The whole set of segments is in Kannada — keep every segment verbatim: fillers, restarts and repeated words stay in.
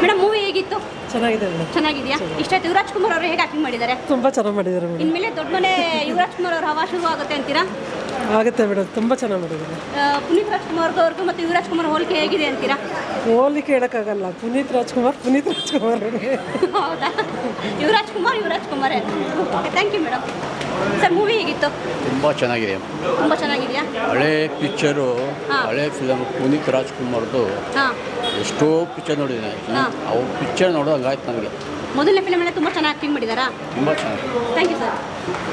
ಮೇಡಮ್ ಮೂವಿ ಹೇಗಿತ್ತು? ಚೆನ್ನಾಗಿದೆ ಮೇಡಮ್. ಚೆನ್ನಾಗಿದೆಯಾ? ಇಷ್ಟ ಆಯ್ತು. ಯುವರಾಜ್ ಕುಮಾರ್ ಅವರು ಹೇಗೆ ಆಕ್ಟಿಂಗ್ ಮಾಡಿದ್ದಾರೆ? ತುಂಬ ಚೆನ್ನಾಗಿ ಮಾಡಿದ್ದಾರೆ ಮೇಡಮ್. ಇನ್ಮೇಲೆ ದೊಡ್ಡ ಮನೆ ಯುವರಾಜ್ ಕುಮಾರ್ ಅವ್ರ ಹವಾ ಶುರು ಆಗುತ್ತೆ ಅಂತೀರಾ? ಆಗುತ್ತೆ ಮೇಡಮ್, ತುಂಬ ಚೆನ್ನಾಗಿ ಮಾಡಿದ್ದಾರೆ. ಪುನೀತ್ ರಾಜ್ಕುಮಾರ್ ಅವ್ರಿಗೂ ಮತ್ತು ಯುವರಾಜ್ ಕುಮಾರ್ ಹೋಲಿಕೆ ಹೇಗಿದೆ ಅಂತೀರಾ? ಹೋಲಿಕೆ ಹೇಳೋಕ್ಕಾಗಲ್ಲ. ಪುನೀತ್ ರಾಜ್ಕುಮಾರ್ ಪುನೀತ್ ರಾಜ್ಕುಮಾರ್ ಹೌದಾ? Yuvaraj Kumar Yuvaraj Kumar okay, thank you madam. Sir movie ಹೇಗಿತ್ತು? ತುಂಬ ಚೆನ್ನಾಗಿದೆ. ತುಂಬ ಚೆನ್ನಾಗಿದೆಯಾ? ಹಳೆ ಪಿಕ್ಚರು, ಹಾಂ. ಹಳೆ ಫಿಲಮ್ ಪುನೀತ್ ರಾಜ್ಕುಮಾರ್ದು ಹಾಂ, ಎಷ್ಟೋ ಪಿಕ್ಚರ್ ನೋಡಿದ್ದೀನಿ. ಹಾಂ. ಅವು ಪಿಕ್ಚರ್ ನೋಡೋಂಗಾಯ್ತು ನನಗೆ. ಮೊದಲನೇ ಫಿಲಮಲ್ಲೇ ತುಂಬ ಚೆನ್ನಾಗಿ ಆಕ್ಟಿಂಗ್ ಮಾಡಿದ್ದಾರಾ? ತುಂಬ ಚೆನ್ನಾಗಿ. Thank you sir.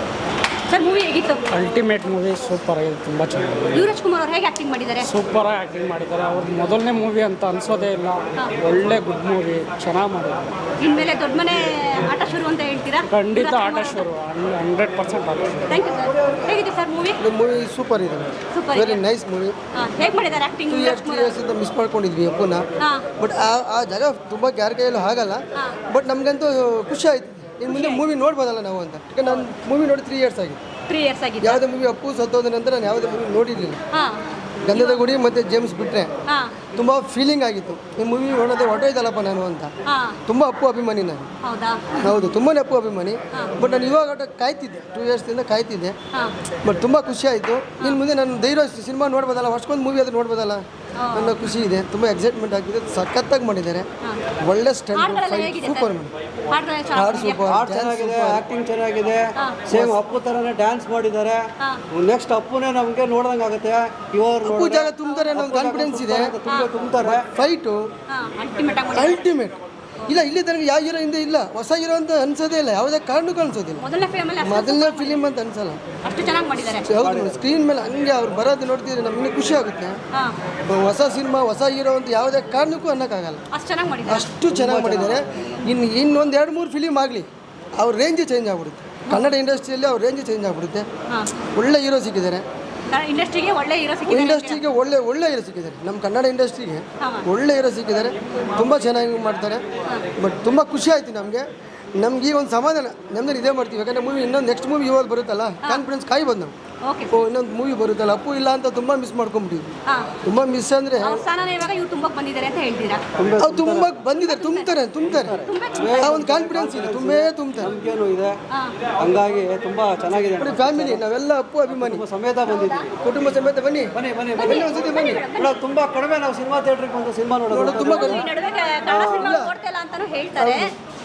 Sir movie ಹೇಗಿತ್ತು? ಅಲ್ಟಿಮೇಟ್ ಮೂವಿ ಸೂಪರ್ ಆಗಿದೆ, ತುಂಬ ಚೆನ್ನಾಗಿದೆ. ಯುವರಾಜ್ ಕುಮಾರ್ ಅವ್ರು ಹೇಗೆ ಆಕ್ಟಿಂಗ್ ಮಾಡಿದ್ದಾರೆ? ಸೂಪರ್ ಆಗಿ ಆ್ಯಕ್ಟಿಂಗ್ ಮಾಡಿದ್ದಾರೆ. ಅವ್ರದ್ದು ಮೊದಲನೇ ಮೂವಿ ಅಂತ ಅನ್ಸೋದೇ ಇಲ್ಲ. ಒಳ್ಳೆ ಗುಡ್ ಮೂವಿ, ಚೆನ್ನಾಗಿ ಮಾಡಿದ್ದಾರೆ. ಇನ್ಮೇಲೆ ದೊಡ್ಡ ಮನೆ ಆಟ ಶುರು ಅಂತ ಹೇಳ್ತೀರಾ? ಖಂಡಿತ ಆಟ ಶುರು, ಹಂಡ್ರೆಡ್ ಪರ್ಸೆಂಟ್ ಆಟ ಶುರು. Thank you sir. ಹೇಗಿದೆ ಸರ್ ಮೂವಿ? ಮೂವಿ ಸೂಪರ್ ಇದೆ, ಸೂಪರ್ ವೆರಿ ನೈಸ್ ಮೂವಿ. ಹೇಗೆ ಮಾಡಿದ್ದಾರೆ acting? Two years three years ಇಂದ ಮಿಸ್ ಮಾಡ್ಕೊಂಡಿದ್ವಿ ಅಪ್ಪನ. ಹಾಂ, ಬಟ್ ಆ ಆ ಜಾಗ ತುಂಬ ಯಾರ ಕೈಯಲ್ಲೂ ಆಗಲ್ಲ. ಬಟ್ ನಮಗಂತೂ ಖುಷಿ ಆಯ್ತು. ಇನ್ನು ಮುಂದೆ ಮೂವಿ ನೋಡ್ಬೋದಲ್ಲ ನಾವು ಅಂತ. ಯಾಕಂದ್ರೆ ನಾನು ಮೂವಿ ನೋಡಿ ತ್ರೀ ಇಯರ್ಸ್ ಆಗಿದೆ. ತ್ರೀ ಇಯರ್ಸ್ ಆಗಿದೆ. ಯಾವುದೇ ಮೂವಿ ಅಪ್ಪು ಸತ್ತೋದ ನಂತರ ನಾನು ಯಾವುದೇ ಮೂವಿ ನೋಡಿರಲಿಲ್ಲ. ಹಾಂ, ಗಂಧದ ಗುಡಿ ಮತ್ತು ಜೇಮ್ಸ್ ಬಿಟ್ಟರೆ ಹಾಂ, ತುಂಬ ಫೀಲಿಂಗ್ ಆಗಿತ್ತು. ಈ ಮೂವಿ ನೋಡೋದೇ ಹೊಟ್ಟೋಯ್ತಲ್ಲಪ್ಪ ನಾನು ಅಂತ. ಹಾಂ. ತುಂಬ ಅಪ್ಪು ಅಭಿಮಾನಿ ನಾನು. ಹೌದಾ? ಹೌದು, ತುಂಬಾ ಅಪ್ಪು ಅಭಿಮಾನಿ. ಬಟ್ ನಾನು ಇವಾಗ ಆಟ ಕಾಯ್ತಿದ್ದೆ, ಟೂ ಇಯರ್ಸಿಂದ ಕಾಯ್ತಿದ್ದೆ. ಹಾಂ, ಬಟ್ ತುಂಬ ಖುಷಿ ಆಯಿತು. ಇನ್ನು ಮುಂದೆ ನಾನು ಧೈರ್ಯ ಸಿನಿಮಾ ನೋಡ್ಬೋದಲ್ಲ, ವರ್ಷಕ್ಕೊಂದು ಮೂವಿ ಅದು ನೋಡ್ಬೋದಲ್ಲ ಅನ್ನೋ ಖುಷಿ ಇದೆ. ತುಂಬ ಎಕ್ಸೈಟ್ಮೆಂಟ್ ಆಗಿದೆ. ಸಖತ್ತಾಗಿ ಮಾಡಿದ್ದಾರೆ. ಒಳ್ಳೆ ಸ್ಟಂಟ್, ಹಾಡುಗಳೆಲ್ಲ ಫೈಟ್ ಹೇಗಿದೆ ಸೂಪರ್ ಸರ್? ಮೇಡಮ್. ಹಾಡುಗಳೆಲ್ಲ ಹಾಡು ಚೆನ್ನಾಗಿದೆಯಾ? ಸೂಪರ್, ಹಾಡು ಚೆನ್ನಾಗಿದೆ, ಆಕ್ಟಿಂಗ್ ಚೆನ್ನಾಗಿದೆ. ಸೇಮ್ ಅಪ್ಪು ಥರನೇ ಡ್ಯಾನ್ಸ್ ಮಾಡಿದ್ದಾರೆ. ನೆಕ್ಸ್ಟ್ ಅಪ್ಪುನೇ ನಮಗೆ ನೋಡ್ದಂಗೆ ಆಗುತ್ತೆ. ಇವರು ಅಪ್ಪು ಜಾಗ ತುಂಬ್ತಾರೆ ಅನ್ನೋ ಒಂದು ಕಾನ್ಫಿಡೆನ್ಸ್ ಇದೆ. ತುಂಬ ತುಂಬ್ತಾರೆ. ಫೈಟು ಹಾಂ, ಅಲ್ಟಿಮೇಟ್ ಆಗಿ ಮಾಡಿದ್ದಾರೆ. ಅಲ್ಟಿಮೇಟ್. ಇಲ್ಲ, ಇಲ್ಲಿ ತನಕ ಯಾವ ಹೀರೋ ಹಿಂದೆ ಇಲ್ಲ, ಹೊಸ ಹೀರೋ ಅಂತ ಅನ್ಸೋದೇ ಇಲ್ಲ, ಯಾವುದೇ ಕಾರಣಕ್ಕೂ ಅನ್ಸೋದಿಲ್ಲ. ಮೊದಲನೇ ಫಿಲಮಲ್ಲಿ ಮೊದಲನೇ ಫಿಲಿಮ್ ಅಂತ ಅನ್ಸಲ್ಲ. ಅಷ್ಟು ಚೆನ್ನಾಗಿ ಮಾಡಿದ್ದಾರೆ. ಹೌದು, ಸ್ಕ್ರೀನ್ ಮೇಲೆ ಹಂಗೆ ಅವ್ರು ಬರೋದು ನೋಡ್ತಿದ್ರೆ ನಮಗೆ ಖುಷಿ ಆಗುತ್ತೆ. ಹಾಂ, ಹೊಸ ಸಿನಿಮಾ ಹೊಸ ಹೀರೋ ಅಂತ ಯಾವುದೇ ಕಾರಣಕ್ಕೂ ಅನ್ನೋಕ್ಕಾಗಲ್ಲ. ಅಷ್ಟು ಚೆನ್ನಾಗಿ ಮಾಡಿದ್ದಾರೆ. ಅಷ್ಟು ಚೆನ್ನಾಗಿ ಮಾಡಿದ್ದಾರೆ. ಇನ್ನು ಇನ್ನೊಂದು ಎರಡು ಮೂರು ಫಿಲಿಮ್ ಆಗಲಿ, ಅವ್ರ ರೇಂಜ್ ಚೇಂಜ್ ಆಗ್ಬಿಡುತ್ತೆ. ಕನ್ನಡ ಇಂಡಸ್ಟ್ರಿಯಲ್ಲಿ ಅವ್ರ ರೇಂಜ್ ಚೇಂಜ್ ಆಗ್ಬಿಡುತ್ತೆ. ಹಾಂ, ಒಳ್ಳೆ ಹೀರೋ ಸಿಕ್ಕಿದ್ದಾರೆ. ಇಂಡಸ್ಟ್ರಿಗೆ ಒಳ್ಳೆ ಹೀರೋ ಸಿಕ್ಕಿದ್ದಾರೆ. ಇಂಡಸ್ಟ್ರಿಗೆ ಒಳ್ಳೆ ಒಳ್ಳೆ ಹೀರೋ ಸಿಕ್ಕಿದ್ದಾರೆ. ನಮ್ಮ ಕನ್ನಡ ಇಂಡಸ್ಟ್ರಿಗೆ ಹಾಂ. ಒಳ್ಳೆ ಹೀರೋ ಸಿಕ್ಕಿದ್ದಾರೆ. ತುಂಬ ಚೆನ್ನಾಗಿ ಮಾಡ್ತಾರೆ. ಬಟ್ ತುಂಬ ಖುಷಿ ಆಯಿತು ನಮಗೆ. ನಮ್ಗೆ ಈ ಒಂದು ಸಮಾಧಾನ ನಮ್ದು ಇದೇ ಮಾಡ್ತೀವಿ. ಯಾಕಂದರೆ ಮೂವಿ ಇನ್ನೊಂದು ನೆಕ್ಸ್ಟ್ ಮೂವಿ ಇವಾಗ ಬರುತ್ತಲ್ಲ, ಕಾನ್ಫಿಡೆನ್ಸ್ ಕಾಯ್ಬೋದು ನಾವು. ಓಕೆ. ಓ ಇನ್ನೊಂದು ಮೂವಿ ಬರುತ್ತಲ್ಲ, ಅಪ್ಪು ಇಲ್ಲ ಅಂತ ತುಂಬ ಮಿಸ್ ಮಾಡ್ಕೊಂಬಿಟ್ಟಿದ್ವಿ. ಹಾಂ, ತುಂಬ ಮಿಸ್ ಅಂದರೆ ಅವ್ರ ಸ್ಥಾನನ ಇವಾಗ ಇವ್ರು ತುಂಬಕ್ಕೆ ಬಂದಿದ್ದಾರೆ ಅಂತ ಹೇಳ್ತೀರಾ? ಅವ್ರು ತುಂಬ ಬಂದಿದ್ದಾರೆ, ತುಂಬ್ತಾರೆ ತುಂಬ್ತಾರೆ ಆ ಒಂದು ಕಾನ್ಫಿಡೆನ್ಸ್ ಇದೆ, ತುಂಬೇ ತುಂಬ್ತಾರೆ. ನಂಬಿಕೆನೂ ಇದೆ. ಹಂಗಾಗಿ ತುಂಬ ಚೆನ್ನಾಗಿದೆ. ನೋಡಿ ಫ್ಯಾಮಿಲಿ ನಾವೆಲ್ಲ ಅಪ್ಪು ಅಭಿಮಾನಿ ಕುಟುಂಬ ಸಮೇತ ಬಂದಿದ್ದೀವಿ. ಕುಟುಂಬ ಸಮೇತ ಬನ್ನಿ ಬನ್ನಿ ಬನ್ನಿ ಬನ್ನಿ ಒಂದ್ಸತಿ ಬನ್ನಿ. ಮೇಡಮ್, ತುಂಬ ಕಡಿಮೆ ನಾವು ಸಿನಿಮಾ ಥಿಯೇಟ್ರಿಗೆ ಬಂದು ಸಿನಿಮಾ ನೋಡೋದು. ನೋಡೋದು ತುಂಬ ಕಡಿಮೆ. ಈ ನಡುವೆ ಕನ್ನಡ ಸಿನಿಮಾ ನೋಡ್ತಿಲ್ಲ ಅಂತಾನೂ ಹೇಳ್ತಾರೆ.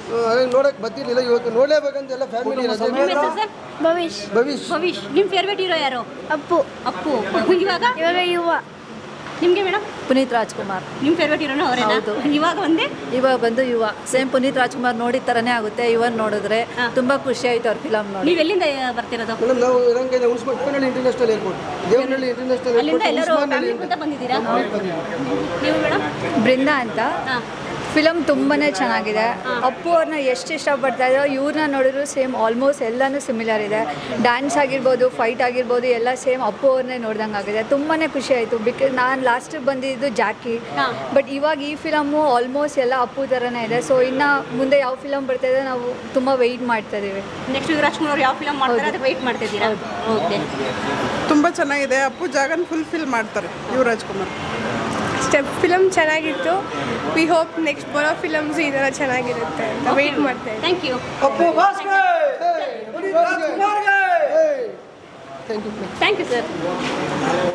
ನೋಡಕ್ ಬರ್ತಿರ್ಲಿಲ್ಲ, ಇವತ್ತು ನೋಡ್ಲೇಬೇಕಂತ ಎಲ್ಲ ಫ್ಯಾಮಿಲಿ. ನಿಮ್ಮ ಹೆಸರು ಸರ್? ಭವಿಷ್ ಭವಿಷ್ ಭವಿಷ್. ನಿಮ್ಮ ಫೇವ್ರೇಟ್ ಹೀರೋ ಯಾರು? ಅಪ್ಪು. ಅಪ್ಪು. ಇವಾಗ ಇವಾಗ ಯುವ. ನಿಮಗೆ ಮೇಡಮ್? ಪುನೀತ್ ರಾಜ್ಕುಮಾರ್. ನಿಮ್ಮ ಫೇವ್ರೇಟ್ ಹೀರೋನು ಅವರೇನಾ? ಹೌದು. ಇವಾಗ ಒಂದೇ ಇವಾಗ ಬಂದು ಯುವ ಸೇಮ್ ಪುನೀತ್ ರಾಜ್ಕುಮಾರ್ ನೋಡಿದ ಥರನೇ ಆಗುತ್ತೆ. ಇವನ್ ನೋಡಿದ್ರೆ ತುಂಬಾ ಖುಷಿ ಆಯ್ತು ಅವ್ರ ಫಿಲಮ್ ನೋಡಿ. ನೀವು ಎಲ್ಲಿಂದ ಬರ್ತಿರೋದು? ಮೇಡಮ್ ನಾವು ರಂಗ ಉಳಿಸ್ಕೊಂಡು Uppanahalli international airport, Devanahalli international ಅಲ್ಲಿಂದ ಏರ್ಪೋರ್ಟ್, ಎಲ್ಲರೂ ಉಸ್ಮಾನಲ್ಲಿ ಫ್ಯಾಮಿಲಿ ಅಂತ ಬಂದಿದ್ದೀರಾ? ನೀವು ಮೇಡಮ್? ಬೃಂದ ಅಂತ. ಹಾಂ, ಫಿಲಮ್ ತುಂಬಾ ಚೆನ್ನಾಗಿದೆ. ಅಪ್ಪು ಅವ್ರನ್ನ ಎಷ್ಟು ಇಷ್ಟಪಡ್ತಾ ಇದ್ದೋ ಇವ್ರನ್ನ ನೋಡಿದ್ರು ಸೇಮ್ ಆಲ್ಮೋಸ್ಟ್ ಎಲ್ಲನೂ ಸಿಮಿಲರ್ ಇದೆ. ಡ್ಯಾನ್ಸ್ ಆಗಿರ್ಬೋದು, ಫೈಟ್ ಆಗಿರ್ಬೋದು, ಎಲ್ಲ ಸೇಮ್ ಅಪ್ಪು ಅವ್ರನ್ನೇ ನೋಡ್ದಂಗೆ ಆಗಿದೆ. ತುಂಬಾ ಖುಷಿ ಆಯಿತು. ಬಿಕಾಸ್ ನಾನು ಲಾಸ್ಟಿಗೆ ಬಂದಿದ್ದು ಜಾಕಿ, ಬಟ್ ಇವಾಗ ಈ ಫಿಲಮ್ಮು ಆಲ್ಮೋಸ್ಟ್ ಎಲ್ಲ ಅಪ್ಪು ಥರನೇ ಇದೆ. ಸೊ ಇನ್ನು ಮುಂದೆ ಯಾವ ಫಿಲಮ್ ಬರ್ತಾಯಿದೆ ನಾವು ತುಂಬ ವೆಯ್ಟ್ ಮಾಡ್ತಾ ಇದ್ದೀವಿ. ನೆಕ್ಸ್ಟ್ ಯುವರಾಜ್ ಕುಮಾರ್ ಅವ್ರು ಯಾವ ಫಿಲಮ್ ಮಾಡ್ತಾರೆ ಅದು ವೆಯ್ಟ್ ಮಾಡ್ತಿದ್ದೀರಾ? ಓಕೆ. ತುಂಬ ಚೆನ್ನಾಗಿದೆ. ಅಪ್ಪು ಜಾಗನ ಫುಲ್ಫಿಲ್ ಮಾಡ್ತಾರೆ ಯುವರಾಜ್ ಕುಮಾರ್. ಸ್ಟೆಪ್ ಫಿಲಮ್ ಚೆನ್ನಾಗಿತ್ತು. ವಿ ಹೋಪ್ ನೆಕ್ಸ್ಟ್ ಬರೋ ಫಿಲಮ್ಸ್ ಈ ಥರ ಚೆನ್ನಾಗಿರುತ್ತೆ ಅಂತ ವೆಯ್ಟ್ ಮಾಡ್ತೇವೆ. Thank you. ಅಪ್ಪು ಭಾಸ್ಕರ್, ಪುನೀತ್ ರಾಜ್ಕುಮಾರ್ಗೆ. Thank you thank you sir.